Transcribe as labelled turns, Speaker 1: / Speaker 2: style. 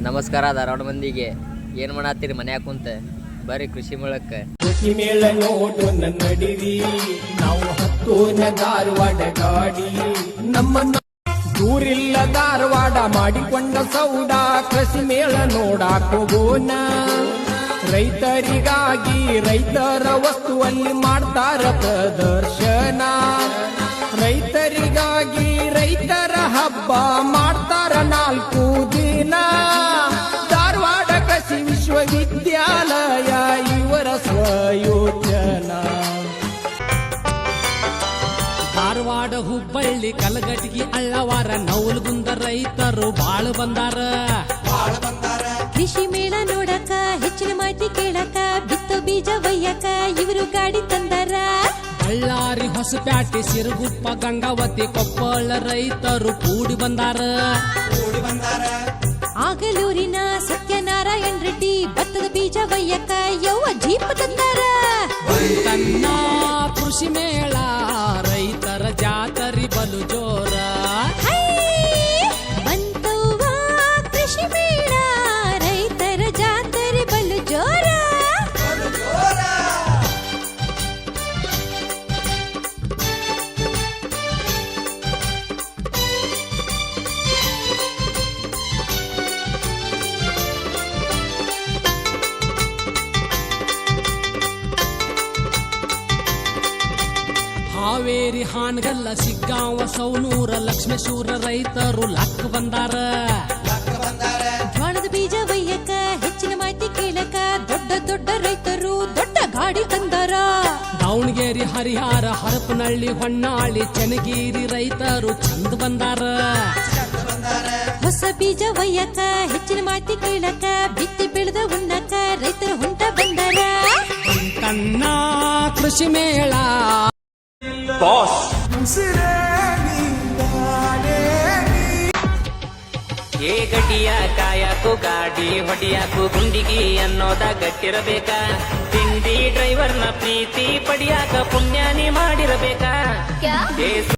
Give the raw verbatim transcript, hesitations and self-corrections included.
Speaker 1: ನಮಸ್ಕಾರ ಧಾರವಾಡ ಮಂದಿಗೆ. ಏನು ಮಾಡತ್ತೀರಿ ಮನ್ಯಾಗ ಕುಂತ? ಬರ್ರಿ ಕೃಷಿ ಮೇಳಕ್ಕೆ.
Speaker 2: ಕೃಷಿ ಮೇಳ ನೋಡು ನನ್ನಡಿರಿ, ನಾವು ಹತ್ತೋನ ಧಾರವಾಡ ಗಾಡಿ. ನಮ್ಮ ದೂರಿಲ್ಲ ಧಾರವಾಡ ಮಾಡಿಕೊಂಡ ಸೌಡ, ಕೃಷಿ ಮೇಳ ನೋಡಾಕ ಹೋಗೋಣ. ರೈತರಿಗಾಗಿ ರೈತರ ವಸ್ತುವಲ್ಲಿ ಮಾಡ್ತಾರ ಪ್ರದರ್ಶನ. ರೈತರಿಗಾಗಿ ರೈತರ ಹಬ್ಬ ಮಾಡ್ತಾರ ನಾಲ್ಕು ದಿನ. ಧಾರವಾಡ ಕೃಷಿ ವಿಶ್ವವಿದ್ಯಾಲಯ ಇವರ ಸ್ವಯೋಜನಾ.
Speaker 3: ಧಾರವಾಡ ಹುಬ್ಬಳ್ಳಿ ಕಲಗಟಗಿ ಅಳ್ಳವಾರ ನವಲಗುಂದ ರೈತರು ಬಾಳ ಬಂದಾರ.
Speaker 4: ಕೃಷಿ ಮೇಳ ನೋಡಕ ಹೆಚ್ಚಿನ ಮಾಹಿತಿ ಕೇಳಕ ಬಿತ್ತು ಬೀಜ ಒಯ್ಯಕ ಇವರು ಗಾಡಿ ತಂದಾರ.
Speaker 3: ಬಳ್ಳಾರಿ ಹೊಸಪೇಟೆ ಸಿರುಗುಪ್ಪ ಗಂಗಾವತಿ ಕೊಪ್ಪಳ ರೈತರು ಕೂಡಿ ಬಂದಾರ.
Speaker 4: ಆಗಲೂರಿನ ಸತ್ಯನಾರಾಯಣ ರೆಡ್ಡಿ ಭತ್ತದ ಬೀಜ ಒಯ್ಯಕ ಯವ್ವ ಜೀಪ್ ತಂದಾರ.
Speaker 3: ತನ್ನ ಕೃಷಿ ಮೇಳ ರೈತರ ಜಾತರಿ ಬಲು ಜೋರ.
Speaker 4: ಬಂತವ್ವ ಕೃಷಿ ಮೇಳ ರೈತರ ಜಾತರಿ ಬಲು ಜೋರ.
Speaker 3: ಹಾವೇರಿ ಹಾನಗಲ್ಲ ಸಿಗ್ಗಾಂವ ಸೌನೂರ ಲಕ್ಷ್ಮೇಶ್ವರ ರೈತರು ಲಕ್ ಬಂದಾರ.
Speaker 4: ಜ್ವಾಳದ ಬೀಜ ಒಯ್ಯಕ ಹೆಚ್ಚಿನ ಮಾಹಿತಿ ಕೇಳಕ ದೊಡ್ಡ ದೊಡ್ಡ ರೈತರು ದೊಡ್ಡ ಗಾಡಿ ತಂದಾರ.
Speaker 3: ದಾವಣಗೆರೆ ಹರಿಹರ ಹರಪನಹಳ್ಳಿ ಹೊನ್ನಾಳಿ ಚನ್ನಗಿರಿ ರೈತರು ಚಂದ ಬಂದಾರ.
Speaker 4: ಹೊಸ ಬೀಜ ಒಯ್ಯಕ ಹೆಚ್ಚಿನ ಮಾಹಿತಿ ಕೇಳಕ ಬಿತ್ತಿ ಬೆಳೆದ ಉಣ್ಣಕ ರೈತರ ಹೊಂಟ ಬಂದಾರ.
Speaker 3: ತನ್ನ ಕೃಷಿ ಮೇಳ
Speaker 5: ಏ ಗಡಿಯ ಕಾಯಕು ಗಾಡಿ ಹೊಡಿಯಾಕು ಗುಂಡಿಗಿ ಅನ್ನೋದ ಗಟ್ಟಿರಬೇಕ. ತಿಂಡಿ ಡ್ರೈವರ್ನ ಪ್ರೀತಿ ಪಡಿಯಾಕ ಪುಣ್ಯಾನಿ ಮಾಡಿರಬೇಕ.